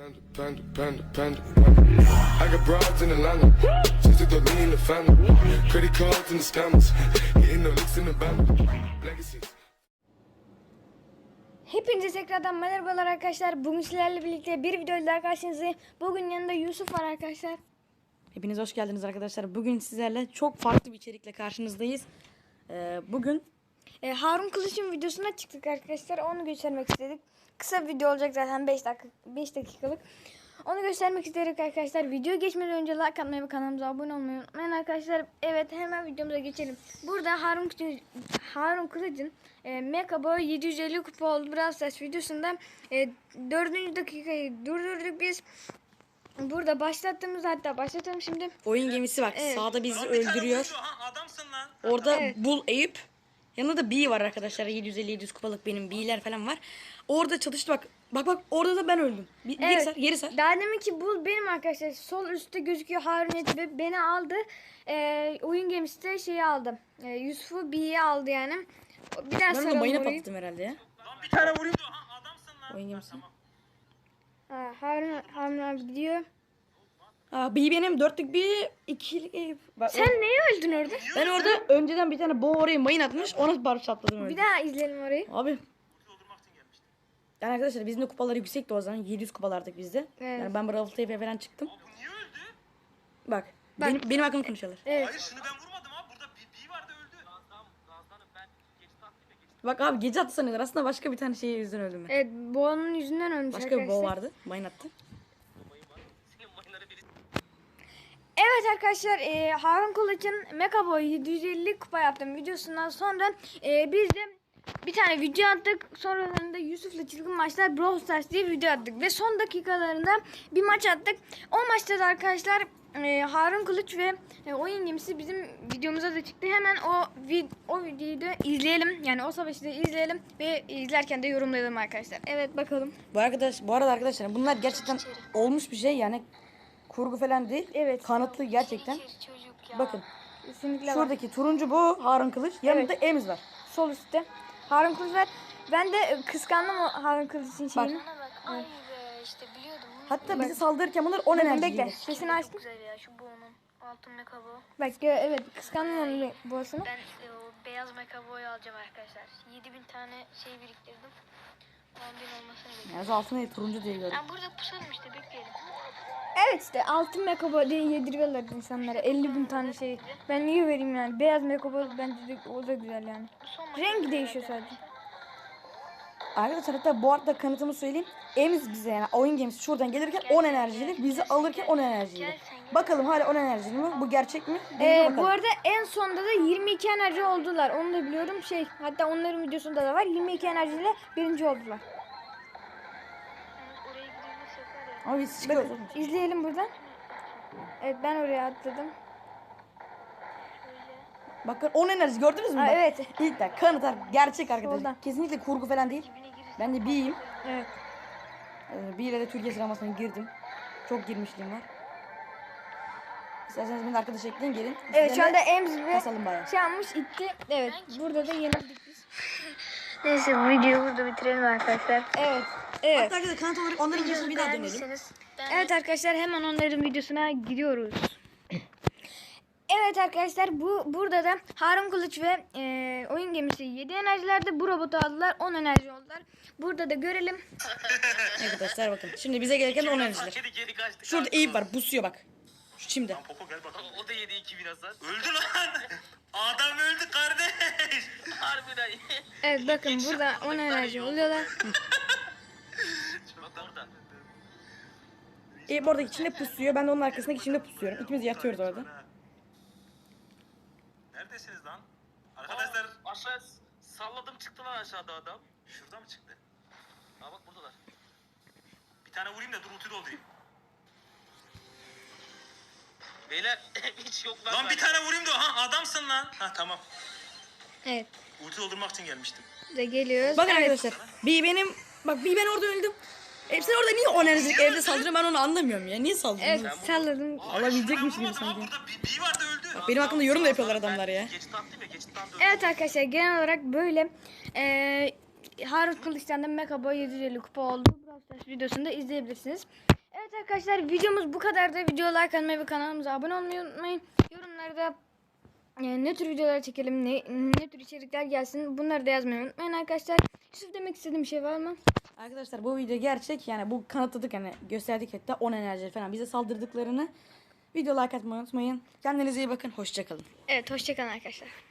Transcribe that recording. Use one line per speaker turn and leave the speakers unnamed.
Panda. I got broads in Atlanta, just to throw me in the family. Credit cards and the scammers, hitting the licks in the band. Legacies.
Hepinize tekrardan merhabalar arkadaşlar. Bugün sizlerle birlikte bir videoyla daha karşınızdayım. Bugün yanında Yusuf var arkadaşlar.
Hepiniz hoş geldiniz arkadaşlar. Bugün sizlerle çok farklı bir içerikle karşınızdayız. Bugün
Harun Kılıç'ın videosuna çıktık arkadaşlar. Onu göstermek istedik. Kısa bir video olacak zaten 5 dakikalık. Onu göstermek istedik arkadaşlar. Video geçmeden önce like atmayı ve kanalımıza abone olmayı unutmayın arkadaşlar. Evet, hemen videomuza geçelim. Burada Harun Kılıç'ın Mecha Boy 750 kupa oldu Brawl Stars videosunda 4. dakikayı durdurduk biz. Burada başlatalım şimdi.
oyun gemisi bak,
Evet.
sağda bizi öldürüyor.
Adamsın lan.
Orada
Evet.
Bull Eyüp. Yanında da B var arkadaşlar. 750-700 kupalık benim B'ler falan var. Orada çalıştı bak. Bak orada da ben öldüm. Geri sar.
Daha demin ki bu benim arkadaşlar. Sol üstte gözüküyor Harun ve beni aldı. Oyun gemisi de şeyi aldı. Yusuf'u B'ye aldı yani. Bir daha
Ben de
saralım
mayına
orayı.
patladım herhalde ya.
Lan bir tane vurayım. Adamsın lan.
Oyun gemisi.
Harun abi gidiyor.
B benim 4'lük bir 2'lik Eyüp. Bak,
Sen neye öldün orada?
ben orada önceden bir tane boğa oraya mayın atmış. Ona barış çatladım öyle.
Bir daha izleyelim orayı.
Abi. Yani arkadaşlar bizim de kupalar yüksekti o zaman. 700 kupalardık bizde.
Evet.
Yani ben Brawl TV'ye falan çıktım.
Bu niye öldü?
Bak. Benim hakkımı konuşuyorlar.
Evet.
Hayır şunu ben vurmadım abi. Burada bir vardı öldü. Gazdanım ben geçti aktive.
Bak abi gece attı sanıyorlar. Aslında başka bir tane şeye yüzünden öldüm ben.
Evet, boğanın yüzünden ölmüş
Başka bir
arkadaşlar.
boğa vardı. Mayın attı.
Senin mayınları biri.
Evet arkadaşlar, Harun Kılıç'ın Mecha Boy 750 kupa yaptım videosundan sonra biz de bir tane video attık. Sonralarında Yusuf'la Çılgın Maçlar Brawl Stars diye video attık. Ve son dakikalarında bir maç attık. O maçta da arkadaşlar Harun Kılıç ve oyun gemisi bizim videomuza da çıktı. Hemen o videoyu da izleyelim. Yani o savaşı da izleyelim ve izlerken de yorumlayalım arkadaşlar. Evet, bakalım.
Bu arada arkadaşlar bunlar gerçekten olmuş bir şey yani. Kurgu falan değil.
Evet.
Kanıtlı gerçekten. Bakın.
Kesinlikle var.
Şuradaki turuncu bu Harun Kılıç. Yanında Emiz var.
Sol üstte. Harun Kılıç var. Ben de kıskandım o Harun Kılıç'ın şeyini.
Bana bak, ay be işte biliyordum.
Hatta bizi saldırırken bunlar 10
Bakın,
enerji
bekle.
yedi.
Sesini
Çok
açtım.
güzel ya şu boğunun. Altın mekabo.
Bak evet, kıskandım onun boğasını.
Ben o beyaz mekaboyu alacağım arkadaşlar. 7000 tane şey biriktirdim. 10.000 olmasını bekliyorum.
Yani altına değil, turuncu diye gördüm.
Ben burada pusalım işte, bekleyelim.
Evet, işte altın mekabo diye yediriyorlar insanlara 50.000 tane şey. Ben niye vereyim yani? Beyaz mekabo bence de o da güzel yani.
Bu son
Rengi
maçı
değişiyor sadece.
Arkadaşlar hatta bu arada kanıtımı söyleyeyim. Emiz bize yani oyun gemisi şuradan gelirken 10 enerjili. Bizi alırken 10 enerjili. Bakalım hala 10 enerjili mi? Bu gerçek mi? Deneyime
Bu
bakalım.
arada en sonda da 22 enerji oldular. Onu da biliyorum. Hatta onların videosunda da var. 22 enerjiyle birinci oldular.
Yani oraya gidilmesi yapar ya.
Ama biz çıkıyoruz. oğlum.
İzleyelim buradan. Evet, ben oraya atladım.
Bakın 10 enerji gördünüz mü?
Aa,
Bak.
evet.
İlk de kanıtlar gerçek arkadaşlar.
Soldan.
Kesinlikle kurgu falan değil. Ben de B'yim.
Evet.
B ile de Türkiye sıralamasına girdim. Çok girmişliğim var. İsterseniz beni de arkadaş ekleyin gelin.
Evet, şu
Sizlerle
anda Emz ve
kasalım bayağı.
şey yapmış, itti. Evet, burada da yenildik biz.
Neyse, bu videoyu burada bitirelim arkadaşlar.
Evet. Evet.
Hatta arkadaşlar kanıt olarak onların videosuna bir daha dönelim.
Evet arkadaşlar, hemen onların videosuna gidiyoruz. Evet arkadaşlar, burada da Harun Kılıç ve oyun gemisi 7 enerjilerde, bu robotu aldılar, 10 enerji oldular. Burada da görelim.
Arkadaşlar bakın. Şimdi bize gereken 10 enerjiler.
Kedi geri kaçtı.
Şurada Eyüp var. Busuyor bak. Şu çimde.
Poco gel bakalım. O da yedi 2000 hasar. Öldü lan. Adam öldü kardeş. Harbiden.
Evet, bakın burada 10 enerji oluyorlar.
Bak orada.
Eyüp oradaki içinde pusuyor. Ben de onun arkasındaki içinde pusuyorum. İkimiz yatıyoruz orada.
Neredesiniz lan? Arkadaşlar aşağı salladım, çıktı lan aşağıda adam. Şurada mı çıktı? Aa bak buradalar. Bir tane vurayım da dur ulti doldurayım. Beyler hiç yok lan bir tane vurayım da adamsın lan. Ha tamam.
Evet,
Ulti doldurmak için gelmiştim.
burada geliyoruz.
Bakın
Evet.
arkadaşlar. Ben orada öldüm. Sen orada niye 10 enerjilik evde saldırıyor, ben onu anlamıyorum ya. Niye saldırıyorsun?
Evet, salladım.
Alabilecekmiş gibi
Vurmadım
sanki.
ha, burada bir vardı öldü.
benim hakkımda yorum da yapıyorlar adamlar ya.
Geçit attım ya, geçitten döndüm.
Evet arkadaşlar, genel olarak böyle. Harun Kılıç'tan da Mekaboy 750 kupa oldu. Brawl Stars videosunda izleyebilirsiniz. Evet arkadaşlar, videomuz bu kadardı. Video like atmayı ve kanalımıza abone olmayı unutmayın. Yorumlarda ne tür videolar çekelim, ne tür içerikler gelsin, bunları da yazmayı unutmayın arkadaşlar. Yusuf, demek istediğim bir şey var mı?
Arkadaşlar bu video gerçek, yani bu kanıtladık, hani gösterdik hatta 10 enerji falan bize saldırdıklarını. Video like atmayı unutmayın. Kendinize iyi bakın. Hoşça kalın.
Evet, hoşçakalın arkadaşlar.